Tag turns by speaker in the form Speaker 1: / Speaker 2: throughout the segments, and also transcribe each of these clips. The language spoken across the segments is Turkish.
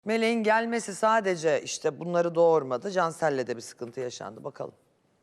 Speaker 1: Meleğin gelmesi sadece işte bunları doğurmadı. Cansel'le de bir sıkıntı yaşandı. Bakalım.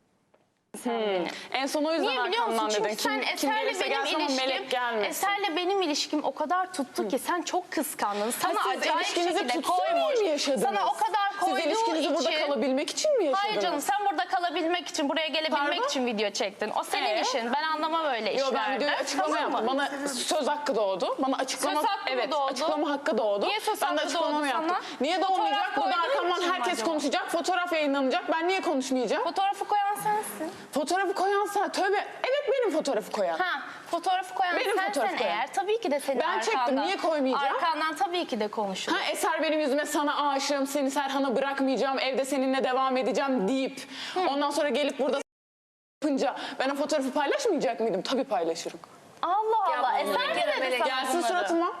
Speaker 2: En son o yüzden
Speaker 3: Niye biliyor musun?
Speaker 2: arkamdan
Speaker 3: Çünkü
Speaker 2: dedin.
Speaker 3: sen Eser'le benim ilişkim, Eser'le benim ilişkim o kadar tuttu ki sen çok kıskandın. Sana
Speaker 2: Siz
Speaker 3: acayip
Speaker 2: ilişkinizi
Speaker 3: şekilde
Speaker 2: tutsun diye
Speaker 3: koymuş.
Speaker 2: mi yaşadınız?
Speaker 3: Sana o kadar koyduğu
Speaker 2: Siz ilişkinizi burada
Speaker 3: için-
Speaker 2: kalabilmek için mi yaşadınız?
Speaker 3: Hayır canım, sen burada kalabilmek için, buraya gelebilmek
Speaker 2: Pardon?
Speaker 3: için video çektin. O senin işin. Ben anlamam öyle
Speaker 2: Yo,
Speaker 3: işlerden.
Speaker 2: ben videoya açıklama
Speaker 3: Tamam mı?
Speaker 2: yaptım. Bana söz hakkı doğdu. Bana açıklama,
Speaker 3: Söz hakkı mı
Speaker 2: evet,
Speaker 3: doğdu?
Speaker 2: açıklama hakkı doğdu.
Speaker 3: Niye söz
Speaker 2: ben de
Speaker 3: hakkı
Speaker 2: açıklamamı
Speaker 3: doğdu
Speaker 2: yaptım.
Speaker 3: sana?
Speaker 2: Niye doğmayacak?
Speaker 3: Fotoğraf
Speaker 2: Burada
Speaker 3: koyduğun
Speaker 2: arkamdan
Speaker 3: için mi
Speaker 2: herkes
Speaker 3: acaba?
Speaker 2: konuşacak. Fotoğraf yayınlanacak. Ben niye konuşmayacağım?
Speaker 3: Fotoğrafı koyan sensin.
Speaker 2: Fotoğrafı koyan sen. Tövbe. Evet, benim fotoğrafı koyan.
Speaker 3: Ha, fotoğrafı koyan
Speaker 2: Benim
Speaker 3: sensen
Speaker 2: fotoğrafı koyan.
Speaker 3: eğer tabii ki de senin
Speaker 2: Ben
Speaker 3: arkandan.
Speaker 2: çektim, niye koymayacağım?
Speaker 3: Arkandan tabii ki de konuşulur.
Speaker 2: Ha, Eser benim yüzüme sana aşığım, seni Serhan'a bırakmayacağım, evde seninle devam edeceğim deyip ondan sonra gelip burada yapınca ben o fotoğrafı paylaşmayacak mıydım? Tabii paylaşırım.
Speaker 3: Allah Allah. Eser ne dedi sana
Speaker 2: Gelsin
Speaker 3: bunları?
Speaker 2: suratıma.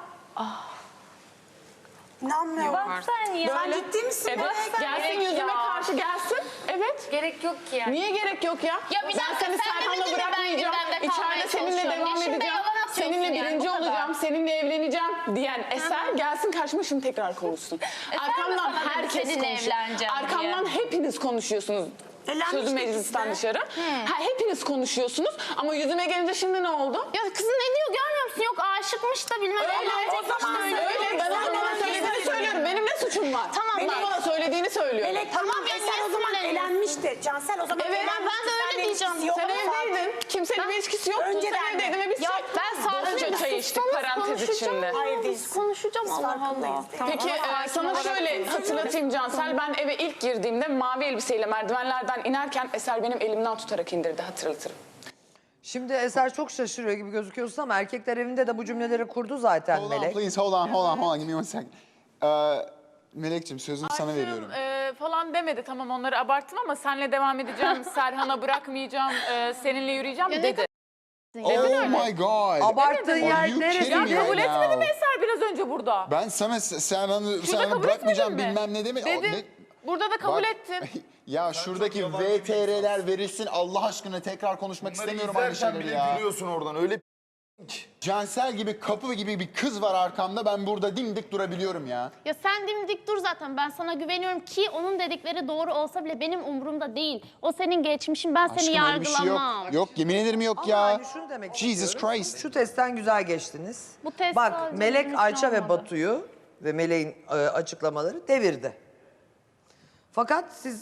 Speaker 4: İnanmıyorum.
Speaker 3: Bak sen ya.
Speaker 4: Sen ciddi misin?
Speaker 2: Evet,
Speaker 3: sen
Speaker 2: gelsin
Speaker 3: gerek
Speaker 2: yüzüme
Speaker 3: ya.
Speaker 2: karşı gelsin. Evet.
Speaker 5: Gerek yok ki yani.
Speaker 2: Niye gerek yok ya?
Speaker 3: Ya bir dakika,
Speaker 2: ben seni
Speaker 3: sen
Speaker 2: Serhan'la
Speaker 3: demedin mi ben
Speaker 2: bırakmayacağım.
Speaker 3: gündemde kalmaya
Speaker 2: İçeride seninle
Speaker 3: çalışıyorum?
Speaker 2: devam
Speaker 3: Ya şimdi
Speaker 2: edeceğim.
Speaker 3: yalan atıyorsun
Speaker 2: Seninle
Speaker 3: yani,
Speaker 2: birinci
Speaker 3: bu kadar.
Speaker 2: olacağım. Seninle evleneceğim diyen Eser gelsin karşıma şimdi tekrar konuşsun.
Speaker 3: Eser mi sana dedi seninle evleneceğim
Speaker 2: Arkamdan
Speaker 3: diye?
Speaker 2: hepiniz konuşuyorsunuz.
Speaker 4: Eğlenmiştik
Speaker 2: Sözü meclisten
Speaker 4: biz de.
Speaker 2: dışarı. Ha, hepiniz konuşuyorsunuz ama yüzüme gelince şimdi ne oldu?
Speaker 3: Ya kızın ne diyor görmüyor musun? Yok aşıkmış da bilmem.
Speaker 2: Öyle,
Speaker 3: evlenecekmiş
Speaker 2: o zaman
Speaker 3: de öyle.
Speaker 2: öyle. Ben onun bana söylediğini söylüyorum. Benim ne suçum var?
Speaker 3: Tamam,
Speaker 2: Benim
Speaker 3: bak.
Speaker 2: bana söylediğini söylüyorum.
Speaker 4: Melek tamam,
Speaker 3: ya,
Speaker 4: Eser
Speaker 3: niye
Speaker 4: o zaman
Speaker 3: sinirleniyorsun?
Speaker 4: eğlenmişti. Cansel o zaman
Speaker 2: Evet,
Speaker 4: eğlenmişti.
Speaker 3: ben de öyle
Speaker 4: Seninle
Speaker 3: diyeceğim.
Speaker 4: ilişkisi yok.
Speaker 2: Sen evdeydin. Kimsenin bir ilişkisi yoktu.
Speaker 4: Önceden
Speaker 2: Sen evdeydin ve biz
Speaker 3: Ya ben
Speaker 2: Önce
Speaker 3: sadece
Speaker 2: çay içtik parantez içinde.
Speaker 4: Hayır değilsin.
Speaker 3: konuşacağım
Speaker 4: Biz
Speaker 3: Allah Allah.
Speaker 4: farkındayız.
Speaker 2: Peki sana şöyle hatırlatayım Cansel. Ben eve ilk girdiğimde mavi elbiseyle merdivenlerden inerken Eser benim elimden tutarak indirdi, hatırlatırım.
Speaker 1: Şimdi Eser çok şaşırıyor gibi gözüküyorsun ama erkekler evinde de bu cümleleri kurdu zaten
Speaker 6: Hold on
Speaker 1: Melek.
Speaker 6: please, hold on. Give me one second. Melek'ciğim sözümü sana veriyorum.
Speaker 7: Falan demedi, tamam onları abarttım ama senle devam edeceğim, Serhan'a bırakmayacağım, seninle yürüyeceğim dedi.
Speaker 6: Oh my god.
Speaker 1: Abarttığın
Speaker 6: Are
Speaker 1: yer
Speaker 6: you
Speaker 1: neresi?
Speaker 6: kidding me
Speaker 7: Kabul
Speaker 6: right
Speaker 7: etmedi mi
Speaker 6: now?
Speaker 7: Eser biraz önce burada?
Speaker 6: Ben sana Serhan'ı
Speaker 7: kabul
Speaker 6: bırakmayacağım
Speaker 7: etmedin mi?
Speaker 6: bilmem ne demedim.
Speaker 7: Dedim. Burada da kabul ettin.
Speaker 6: Ya şuradaki VTR'ler verilsin Allah aşkına tekrar konuşmak istemiyorum aynı şeyleri ya.
Speaker 8: gülüyorsun oradan öyle
Speaker 6: Cansel gibi kapı gibi bir kız var arkamda ben burada dimdik durabiliyorum ya.
Speaker 9: Ya sen dimdik dur zaten, ben sana güveniyorum ki onun dedikleri doğru olsa bile benim umurumda değil. O senin geçmişin, ben seni
Speaker 6: Aşkım öyle bir şey yok.
Speaker 9: yargılamam.
Speaker 6: Yok yemin ederim yok
Speaker 1: Ama
Speaker 6: ya.
Speaker 1: hani şunu demek
Speaker 6: Jesus
Speaker 1: istiyorum.
Speaker 6: Christ.
Speaker 1: Şu testten güzel geçtiniz.
Speaker 9: Bu test
Speaker 1: Bak
Speaker 9: sadece
Speaker 1: Melek,
Speaker 9: bizim için
Speaker 1: Ayça ve
Speaker 9: olmadı.
Speaker 1: Batu'yu ve Melek'in açıklamaları devirdi. Fakat siz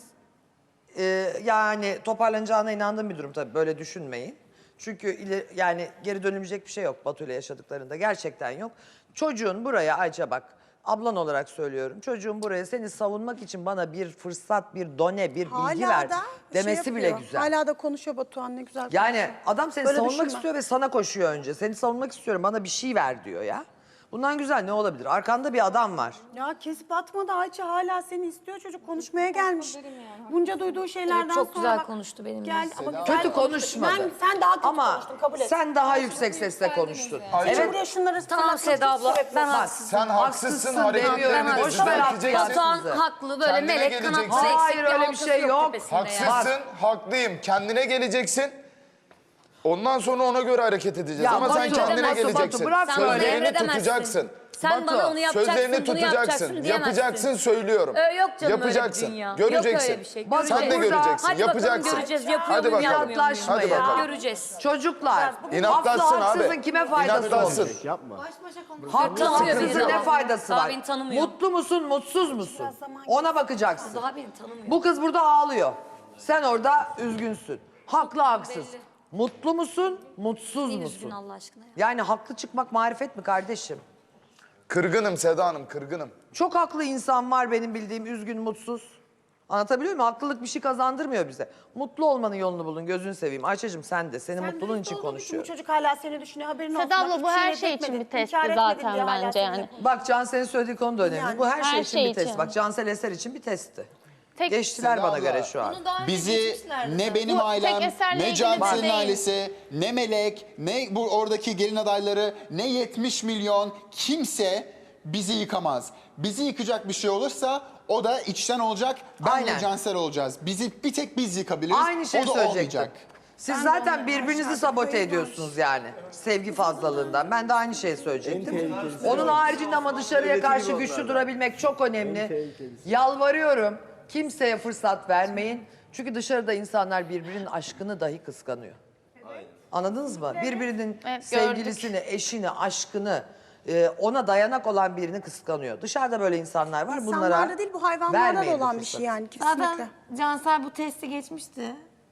Speaker 1: yani toparlanacağına inandığım bir durum tabii, böyle düşünmeyin. Çünkü yani geri dönülecek bir şey yok Batu ile yaşadıklarında, gerçekten yok. Çocuğun buraya, Ayça bak ablan olarak söylüyorum, çocuğun buraya seni savunmak için bana bir fırsat, bir done, bir bilgi ver demesi bile güzel.
Speaker 4: Hala da konuşuyor Batuhan, ne güzel.
Speaker 1: Yani adam seni
Speaker 4: Böyle
Speaker 1: savunmak
Speaker 4: düşünme.
Speaker 1: istiyor ve sana koşuyor önce. Seni savunmak istiyorum, bana bir şey ver diyor ya. Bundan güzel ne olabilir? Arkanda bir adam var.
Speaker 4: Ya kesip atmadı Ayça, hala seni istiyor, çocuk konuşmaya gelmiş. Bunca duyduğu şeylerden
Speaker 5: Evet, çok
Speaker 4: sonra
Speaker 5: güzel
Speaker 4: bak,
Speaker 5: konuştu benimle.
Speaker 4: Geldi ama güzel
Speaker 1: Kötü
Speaker 4: konuştu.
Speaker 1: konuşmadı.
Speaker 4: Sen daha kötü
Speaker 1: Ama
Speaker 4: konuştun, kabul et.
Speaker 1: sen daha yüksek sesle konuştun.
Speaker 4: Evet. Buraya şunları
Speaker 5: Tamam Seda abla, ben
Speaker 1: Bak,
Speaker 5: haksızım.
Speaker 8: sen haksızsın hareketlerini
Speaker 1: demiyorum.
Speaker 8: de
Speaker 1: Boş ver
Speaker 8: düzelteceksin.
Speaker 5: Batuhan
Speaker 1: sizi.
Speaker 5: haklı, böyle
Speaker 8: Kendine
Speaker 5: melek
Speaker 8: geleceksin.
Speaker 5: kanatlı eksik
Speaker 1: Hayır, öyle bir
Speaker 5: halkası
Speaker 1: şey yok.
Speaker 5: tepesinde ya.
Speaker 8: Haksızsın, haklıyım. Kendine geleceksin. Ondan sonra ona göre hareket edeceğiz.
Speaker 1: Ya
Speaker 8: Ama sen
Speaker 1: Batu,
Speaker 8: kendine
Speaker 1: Batu,
Speaker 8: geleceksin.
Speaker 1: Batu, bırak
Speaker 5: Sen bana
Speaker 1: böyle.
Speaker 8: Sözlerini
Speaker 5: emredemezsin.
Speaker 8: tutacaksın.
Speaker 5: Sen bana onu yapacaksın,
Speaker 8: Sözlerini
Speaker 5: bunu yapacaksın
Speaker 8: tutacaksın.
Speaker 5: diyemezsin.
Speaker 8: Yapacaksın söylüyorum.
Speaker 5: Yok canım
Speaker 8: Yapacaksın.
Speaker 5: öyle bir dünya.
Speaker 8: Göreceksin.
Speaker 5: Yok öyle bir şey.
Speaker 1: Bak,
Speaker 8: Sen de
Speaker 1: burada-
Speaker 8: göreceksin.
Speaker 5: Hadi
Speaker 8: Yapacaksın.
Speaker 5: bakalım göreceğiz. Yapıyor
Speaker 8: Hadi
Speaker 5: muyum,
Speaker 8: bakalım.
Speaker 5: yapmıyor muyum?
Speaker 8: Hadi bakalım.
Speaker 5: Göreceğiz.
Speaker 1: Çocuklar,
Speaker 8: İnatlaşsın
Speaker 1: haklı
Speaker 8: abi.
Speaker 1: haksızın kime faydası
Speaker 8: İnatlaşsın.
Speaker 1: olur? Haklı
Speaker 5: Tanımıyor
Speaker 1: haksızın
Speaker 5: beni
Speaker 1: ne
Speaker 5: daha.
Speaker 1: faydası
Speaker 5: Daha
Speaker 1: var?
Speaker 5: beni tanımıyor.
Speaker 1: Mutlu musun, mutsuz musun? Ona bakacaksın.
Speaker 5: Daha beni tanımıyor.
Speaker 1: Bu kız burada ağlıyor. Sen orada üzgünsün. Haklı haksız.
Speaker 5: belli.
Speaker 1: Mutlu musun, mutsuz
Speaker 5: Kim
Speaker 1: musun?
Speaker 5: üzgün Allah aşkına ya?
Speaker 1: Yani haklı çıkmak marifet mi kardeşim?
Speaker 8: Kırgınım Seda Hanım, kırgınım.
Speaker 1: Çok haklı insan var benim bildiğim, üzgün, mutsuz. Anlatabiliyor muyum? Haklılık bir şey kazandırmıyor bize. Mutlu olmanın yolunu bulun, gözünü seveyim. Ayça'cığım sen de, senin mutluluğun için
Speaker 4: Bu
Speaker 1: konuşuyorum.
Speaker 4: çocuk hala seni düşünüyor, haberin olsun.
Speaker 9: Seda
Speaker 4: Bak,
Speaker 9: abla,
Speaker 4: hiçbir
Speaker 9: bu her
Speaker 4: şey
Speaker 9: şey için
Speaker 4: etmedin,
Speaker 9: bir testti
Speaker 4: inkar etmedin
Speaker 9: zaten
Speaker 4: diyor hala
Speaker 9: bence
Speaker 4: seni.
Speaker 9: yani.
Speaker 1: Bak Cansel'in söylediği konu da önemli.
Speaker 4: Yani.
Speaker 1: Bu her şey
Speaker 9: Her
Speaker 1: için
Speaker 9: şey
Speaker 1: bir test.
Speaker 9: için.
Speaker 1: Bak Cansel Eser için bir testti.
Speaker 9: Tek-
Speaker 1: Geçtiler
Speaker 6: Seda
Speaker 1: bana
Speaker 6: abla,
Speaker 1: göre şu an.
Speaker 6: Bizi ne benim
Speaker 9: Bu
Speaker 6: ailem,
Speaker 9: tek Eser'le
Speaker 6: ne
Speaker 9: ilgili
Speaker 6: Cansel'in
Speaker 9: değil.
Speaker 6: ailesi, ne Melek, ne bu oradaki gelin adayları, ne 70 milyon kimse bizi yıkamaz. Bizi yıkacak bir şey olursa o da içten olacak, ben
Speaker 1: Aynen.
Speaker 6: de Cansel olacağız. Bizi bir tek biz yıkabiliriz.
Speaker 1: Aynı şeyi
Speaker 6: o da
Speaker 1: söyleyecektim.
Speaker 6: olmayacak.
Speaker 1: Siz zaten birbirinizi sabote ediyorsunuz yani. Sevgi fazlalığından. Ben de aynı şeyi söyleyecektim. Onun haricinde ama dışarıya karşı güçlü durabilmek çok önemli. Yalvarıyorum. Kimseye fırsat vermeyin. Çünkü dışarıda insanlar birbirinin aşkını dahi kıskanıyor. Anladınız mı? Birbirinin
Speaker 3: Evet,
Speaker 1: sevgilisini, eşini, aşkını, ona dayanak olan birini kıskanıyor. Dışarıda böyle insanlar var. Bunlara
Speaker 4: İnsanlarda değil bu hayvanlarda da
Speaker 1: vermeyin bu
Speaker 4: olan bir
Speaker 1: fırsatı.
Speaker 4: şey yani kesinlikle.
Speaker 5: Zaten Cansel bu testi geçmişti.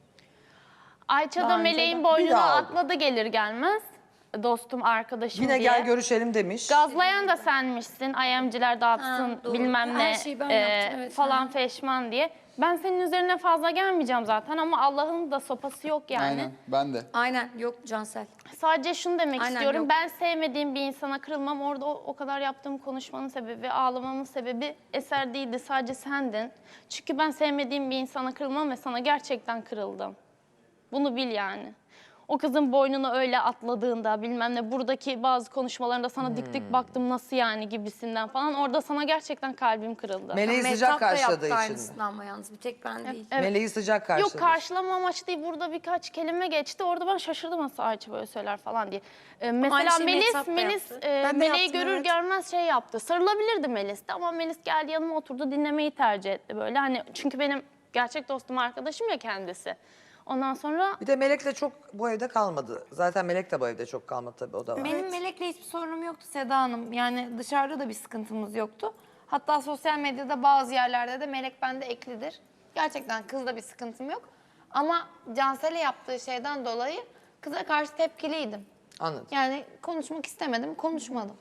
Speaker 9: Ayça da
Speaker 5: Daha
Speaker 9: Meleğin
Speaker 1: Bir
Speaker 9: boynuna
Speaker 1: daha aldı.
Speaker 9: atladı gelir gelmez. Dostum, arkadaşım
Speaker 1: Yine
Speaker 9: diye.
Speaker 1: gel görüşelim demiş.
Speaker 9: Gazlayan da senmişsin, IM'ciler dağıtsın
Speaker 5: Ha, doğru.
Speaker 9: bilmem
Speaker 5: Her
Speaker 9: ne
Speaker 5: şeyi ben yaptım, evet.
Speaker 9: falan feşman diye. Ben senin üzerine fazla gelmeyeceğim zaten ama Allah'ın da sopası yok yani.
Speaker 6: Aynen ben de.
Speaker 5: Aynen yok Cansel.
Speaker 9: Sadece şunu demek
Speaker 5: Aynen,
Speaker 9: istiyorum.
Speaker 5: yok.
Speaker 9: Ben sevmediğim bir insana kırılmam. Orada o kadar yaptığım konuşmanın sebebi, ağlamamın sebebi Eser değildi. Sadece sendin. Çünkü ben sevmediğim bir insana kırılmam ve sana gerçekten kırıldım. Bunu bil yani. O kızın boynuna öyle atladığında bilmem ne buradaki bazı konuşmalarında sana dik dik baktım nasıl yani gibisinden falan. Orada sana gerçekten kalbim kırıldı.
Speaker 1: Meleği sıcak
Speaker 5: Mehtap da
Speaker 1: karşıladığı
Speaker 5: yaptı
Speaker 1: için mi?
Speaker 5: aynısını ama yalnız bir tek ben değil.
Speaker 9: Evet.
Speaker 1: Meleği sıcak karşıladı.
Speaker 9: Yok karşılama amaçlı değil. Burada birkaç kelime geçti. Orada ben şaşırdım nasıl Ayça böyle söyler falan diye. Mesela
Speaker 5: şeyi Mehtap da
Speaker 9: Melis
Speaker 5: yaptı.
Speaker 4: Ben de
Speaker 9: Meleği
Speaker 4: yaptım,
Speaker 9: görür
Speaker 4: evet.
Speaker 9: görmez şey yaptı. Sarılabilirdi Melis de ama Melis geldi yanıma oturdu dinlemeyi tercih etti böyle. Hani çünkü benim gerçek dostum arkadaşım ya kendisi. Ondan sonra
Speaker 1: Bir de Melek'le çok bu evde kalmadı. Zaten Melek de bu evde çok kalmadı tabii o da var.
Speaker 5: Benim Melek'le hiçbir sorunum yoktu Seda Hanım. Yani dışarıda da bir sıkıntımız yoktu. Hatta sosyal medyada bazı yerlerde de Melek bende eklidir. Gerçekten kızla bir sıkıntım yok. Ama Cansel'e yaptığı şeyden dolayı kıza karşı tepkiliydim.
Speaker 1: Anladım.
Speaker 5: Yani konuşmak istemedim, konuşmadım.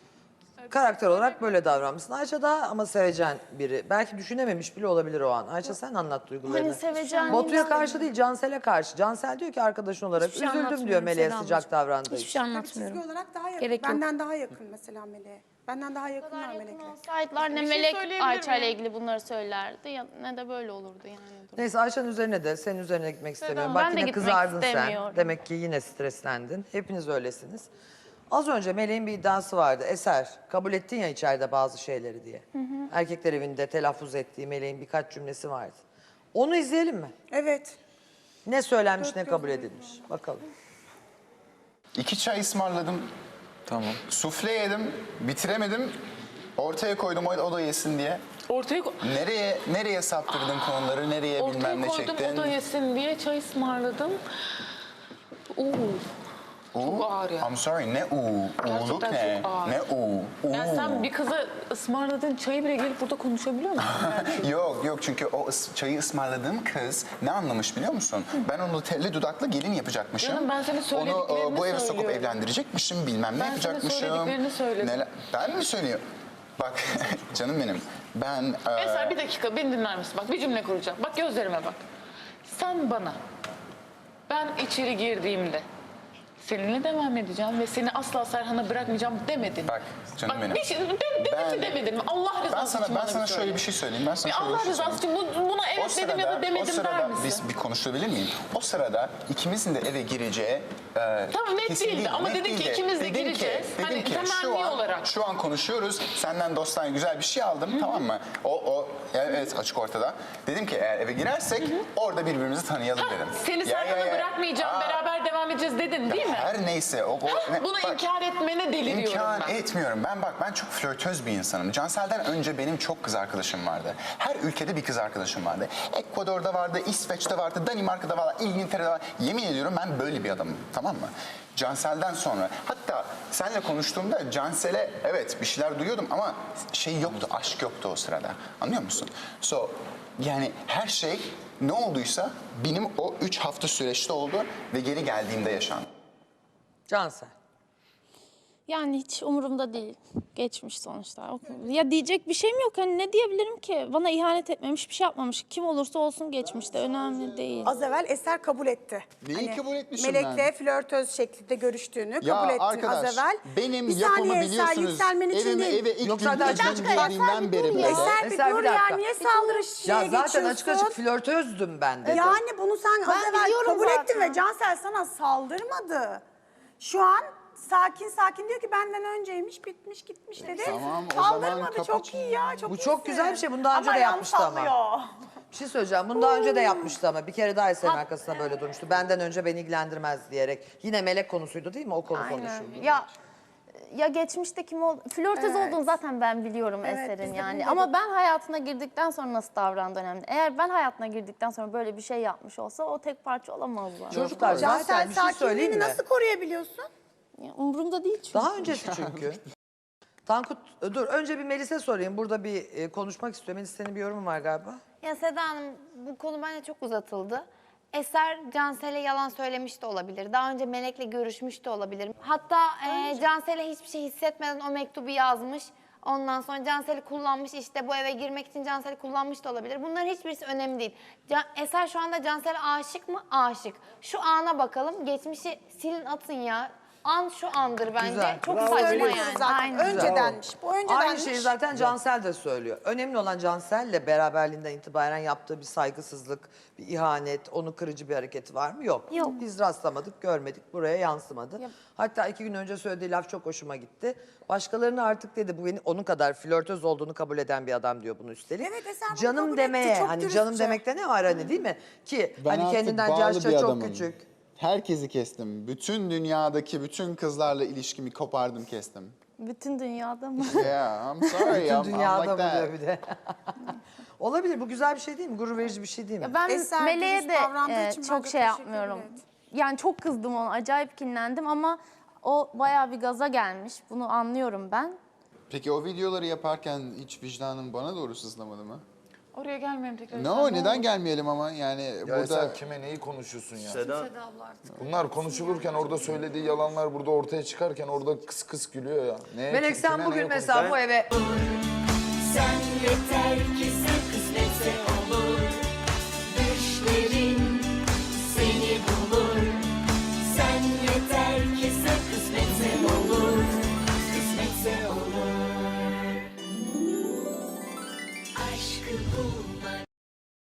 Speaker 1: Karakter olarak böyle davranmışsın. Ayça daha ama sevecen biri. Belki düşünememiş bile olabilir o an. Ayça sen anlat duygularını.
Speaker 9: hani seveceğim.
Speaker 1: Batu'ya karşı değil Cansel'e karşı. Cansel diyor ki arkadaşın olarak
Speaker 5: Hiçbir şey
Speaker 1: üzüldüm diyor
Speaker 5: anlatmıyorum
Speaker 1: Meleğe
Speaker 5: Seda
Speaker 1: sıcak
Speaker 5: ablacığım.
Speaker 1: davrandığı
Speaker 5: Hiçbir
Speaker 1: için.
Speaker 5: şey
Speaker 4: Çizgi
Speaker 5: anlatmıyorum.
Speaker 4: olarak daha yakın.
Speaker 5: Gerek yok.
Speaker 4: Benden daha yakın mesela Melek'e. Benden daha yakınlar Melek'le.
Speaker 2: Bir
Speaker 9: olsaydılar ne
Speaker 2: şey
Speaker 9: Melek
Speaker 2: söyleyebilir
Speaker 9: Ayça ile
Speaker 2: miyim?
Speaker 9: ilgili bunları söylerdi ya ne de böyle olurdu yani.
Speaker 1: Neyse Ayşe'nin üzerine de senin üzerine gitmek istemiyorum.
Speaker 9: ben
Speaker 1: Bak
Speaker 9: de
Speaker 1: yine
Speaker 9: gitmek
Speaker 1: kızardın sen.
Speaker 9: istemiyorum.
Speaker 1: Demek ki yine streslendin. Hepiniz öylesiniz. Az önce Meleğin bir iddiası vardı. Eser, kabul ettin ya içeride bazı şeyleri diye. Erkekler evinde telaffuz ettiği Meleğin birkaç cümlesi vardı. Onu izleyelim mi?
Speaker 4: Evet.
Speaker 1: Ne söylenmiş, ne kabul edilmiş. Bakalım.
Speaker 6: 2 çay ısmarladım.
Speaker 8: Tamam.
Speaker 6: Sufle yedim. Bitiremedim. Ortaya koydum o da yesin diye.
Speaker 2: Ortaya,
Speaker 6: Nereye saptırdın konuları, nereye bilmem
Speaker 2: ortaya
Speaker 6: ne
Speaker 2: koydum
Speaker 6: çektin.
Speaker 2: o da yesin diye çay ısmarladım. Çok ağır ya.
Speaker 6: I'm sorry, ne uğurluk
Speaker 2: Gerçekten
Speaker 6: ne?
Speaker 2: çok ağır.
Speaker 6: Ne
Speaker 2: Yani sen bir kıza ısmarladığın çayı bile gelip burada konuşabiliyor musun?
Speaker 6: Yok çünkü o çayı ısmarladığım kız ne anlamış biliyor musun? Ben onu telli dudaklı gelin yapacakmışım.
Speaker 2: Canım, ben senin
Speaker 6: Onu
Speaker 2: söylediklerini
Speaker 6: bu eve sokup
Speaker 2: söylüyorum.
Speaker 6: evlendirecekmişim, bilmem ne
Speaker 2: Ben senin
Speaker 6: yapacakmışım.
Speaker 2: söylediklerini söyledim.
Speaker 6: Ben mi söylüyorum? Bak canım benim, ben...
Speaker 2: Eser bir dakika beni dinler misin? Bak bir cümle kuracağım. Bak gözlerime bak. Sen bana ben içeri girdiğimde seninle devam edeceğim ve seni asla Serhan'a bırakmayacağım demedin.
Speaker 6: Bak canım benim.
Speaker 2: Bir şey, demedin mi? Allah rızası için
Speaker 6: Ben
Speaker 2: bana
Speaker 6: sana
Speaker 2: bir
Speaker 6: şöyle
Speaker 2: söyle.
Speaker 6: bir şey söyleyeyim. Ben sana
Speaker 2: Bir
Speaker 6: şöyle bir
Speaker 2: Allah
Speaker 6: şey
Speaker 2: rızası
Speaker 6: söyleyeyim.
Speaker 2: için buna evet dedim ya da demedim der misin?
Speaker 6: Biz bir konuşabilir miyim? O sırada ikimizin de eve gireceği...
Speaker 2: Tamam, net
Speaker 6: kesin
Speaker 2: değildi
Speaker 6: değil,
Speaker 2: ama
Speaker 6: net
Speaker 2: dedin ki
Speaker 6: değildi.
Speaker 2: ikimiz de
Speaker 6: Dedim
Speaker 2: gireceğiz.
Speaker 6: Dedim
Speaker 2: Hani
Speaker 6: ki
Speaker 2: temenni olarak.
Speaker 6: şu an konuşuyoruz. Senden dosttan güzel bir şey aldım, tamam mı? Evet açık ortada. Dedim ki eğer eve girersek orada birbirimizi tanıyalım dedim.
Speaker 2: Seni Serhan'a bırakmayacağım, beraber devam edeceğiz dedin değil mi?
Speaker 6: Her neyse.
Speaker 2: Bunu
Speaker 6: Bak,
Speaker 2: inkar etmene deliriyorum
Speaker 6: İnkar
Speaker 2: ben.
Speaker 6: etmiyorum. Ben çok flörtöz bir insanım. Cansel'den önce benim çok kız arkadaşım vardı. Her ülkede bir kız arkadaşım vardı. Ekvador'da vardı, İsveç'te vardı, Danimarka'da vardı, İngiltere'de vardı. Yemin ediyorum ben böyle bir adamım. Tamam mı? Cansel'den sonra. Hatta seninle konuştuğumda Cansel'e evet bir şeyler duyuyordum ama şey yoktu, aşk yoktu o sırada. Anlıyor musun? Yani her şey ne olduysa benim o 3 hafta süreçte oldu ve geri geldiğimde yaşandı.
Speaker 1: Cansel.
Speaker 9: Yani hiç umurumda değil. Geçmiş sonuçta. Ya diyecek bir şeyim yok. Hani ne diyebilirim ki? Bana ihanet etmemiş, bir şey yapmamış. Kim olursa olsun geçmişte. Önemli değil.
Speaker 4: Az evvel Eser kabul etti.
Speaker 6: Neyi kabul etmişim
Speaker 4: Melek'le
Speaker 6: ben?
Speaker 4: flörtöz şeklinde görüştüğünü
Speaker 6: Ya
Speaker 4: kabul ettin
Speaker 6: arkadaş,
Speaker 4: az evvel.
Speaker 6: benim
Speaker 4: Bir
Speaker 6: yapımı
Speaker 4: saniye Eser,
Speaker 6: biliyorsunuz.
Speaker 4: yükselmen için değil.
Speaker 6: Eve ilk
Speaker 1: Yok,
Speaker 6: gün
Speaker 1: zaten
Speaker 6: girdiğim
Speaker 1: açık-
Speaker 6: girdiğimden beri böyle.
Speaker 4: Eser bir
Speaker 1: Eser, bir
Speaker 4: dur ya,
Speaker 1: dakika.
Speaker 4: niye saldırı şeye
Speaker 1: Ya zaten
Speaker 4: geçiyorsun?
Speaker 1: açık açık flörtözdüm ben dedi.
Speaker 4: Yani bunu sen az
Speaker 5: Ben
Speaker 4: evvel
Speaker 5: biliyorum
Speaker 4: kabul
Speaker 5: zaten.
Speaker 4: ettin ve Cansel sana saldırmadı. Şu an sakin diyor ki benden önceymiş, bitmiş gitmiş dedi.
Speaker 6: Tamam, o zaman
Speaker 4: Saldırmadı,
Speaker 6: kapat.
Speaker 4: çok iyi ya, çok
Speaker 1: Bu çok
Speaker 4: iyisin.
Speaker 1: güzel bir şey. Bunu daha önce
Speaker 4: Ama
Speaker 1: de yapmıştı ama.
Speaker 4: ayağını sallıyor.
Speaker 1: Bir şey söyleyeceğim. Bunu daha önce de yapmıştı ama bir kere daha Eser'in arkasına böyle durmuştu. Benden önce beni ilgilendirmez diyerek. Yine Melek konusuydu değil mi? O konu konuşuldu.
Speaker 9: Ya geçmişte kim oldu? Flörtöz olduğunu zaten ben biliyorum Eser'in
Speaker 4: biz de
Speaker 9: yani.
Speaker 4: bunu
Speaker 9: Ama
Speaker 4: dedik.
Speaker 9: ben hayatına girdikten sonra nasıl davrandığı önemli. Eğer ben hayatına girdikten sonra böyle bir şey yapmış olsa o tek parça olamazlar.
Speaker 1: Çocuklar
Speaker 4: Cansel
Speaker 1: zaten bir şey söyleyeyim
Speaker 4: sakinliğini
Speaker 1: mi?
Speaker 4: nasıl koruyabiliyorsun?
Speaker 9: Ya, umurumda değil çünkü.
Speaker 1: Daha öncesi çünkü. Tankut dur önce bir Melis'e sorayım. Burada bir konuşmak istiyor. Melis senin bir yorumun var galiba.
Speaker 5: Ya Seda Hanım bu konu bence çok uzatıldı. Eser Cansel'e yalan söylemiş de olabilir. Daha önce Melek'le görüşmüş de olabilir. Hatta Cansel'e hiçbir şey hissetmeden o mektubu yazmış. Ondan sonra Cansel'i kullanmış, işte bu eve girmek için Cansel'i kullanmış da olabilir. Bunların hiçbirisi önemli değil. Eser şu anda Cansel'e aşık mı? Aşık. Şu ana bakalım. Geçmişi silin atın ya. An şu andır bence.
Speaker 1: Güzel.
Speaker 5: Çok
Speaker 1: Bravo.
Speaker 5: saçma
Speaker 4: Söylüyoruz
Speaker 5: yani.
Speaker 4: zaten.
Speaker 5: Aynen.
Speaker 4: Öncedenmiş. Bu öncedenmiş.
Speaker 1: Aynı şeyi zaten Cansel de söylüyor. Önemli olan Cansel'le beraberliğinden itibaren yaptığı bir saygısızlık, bir ihanet, onu kırıcı bir hareketi var mı? Yok.
Speaker 5: Yok.
Speaker 1: Biz rastlamadık, görmedik, buraya yansımadı. Hatta 2 gün önce söylediği laf çok hoşuma gitti. Başkalarını artık dedi, bu onun kadar flörtöz olduğunu kabul eden bir adam diyor bunu üstelik.
Speaker 4: Evet, Eser bunu
Speaker 1: canım
Speaker 4: kabul
Speaker 1: demeye,
Speaker 4: etti, çok
Speaker 1: hani
Speaker 4: dürüstçe.
Speaker 1: canım demekte ne var hani değil mi? Ki
Speaker 6: Ben
Speaker 1: hani
Speaker 6: artık
Speaker 1: kendinden
Speaker 6: bağlı
Speaker 1: yaşça
Speaker 6: bir
Speaker 1: çok
Speaker 6: adamım.
Speaker 1: küçük.
Speaker 6: Herkesi kestim. Bütün dünyadaki bütün kızlarla ilişkimi kopardım, kestim.
Speaker 9: Bütün dünyada mı?
Speaker 6: Yeah, I'm sorry.
Speaker 1: Bütün
Speaker 6: I'm
Speaker 1: dünyada
Speaker 6: like that.
Speaker 1: buluyor bir de. Olabilir, bu güzel bir şey değil mi? Gurur verici bir şey değil mi?
Speaker 9: Ben
Speaker 4: Eser
Speaker 9: Meleğe
Speaker 4: dürüst
Speaker 9: de
Speaker 4: davrandığı için
Speaker 9: çok
Speaker 4: bence
Speaker 9: şey
Speaker 4: teşekkür
Speaker 9: yapmıyorum.
Speaker 4: ederim.
Speaker 9: Yani çok kızdım ona, acayip kinlendim ama o bayağı bir gaza gelmiş. Bunu anlıyorum ben.
Speaker 6: Peki o videoları yaparken hiç vicdanın bana doğru sızlamadı mı?
Speaker 7: Oraya gelmeyelim tekrar.
Speaker 6: No, neden gelmeyelim ama yani
Speaker 8: Ya
Speaker 6: burada...
Speaker 8: sen kime neyi konuşuyorsun ya?
Speaker 10: Seda,
Speaker 8: Bunlar konuşulurken orada söylediği yalanlar burada ortaya çıkarken orada kıs kıs gülüyor ya. Neye,
Speaker 1: Melek sen
Speaker 8: kime
Speaker 1: bugün
Speaker 8: neye
Speaker 1: mesela bu eve
Speaker 11: Sen yeter ki sen kısmetse olur. Düşlerin seni bulur. Sen yeter ki sen kısmetse olur. Kısmetse olur. Aşkı bulmak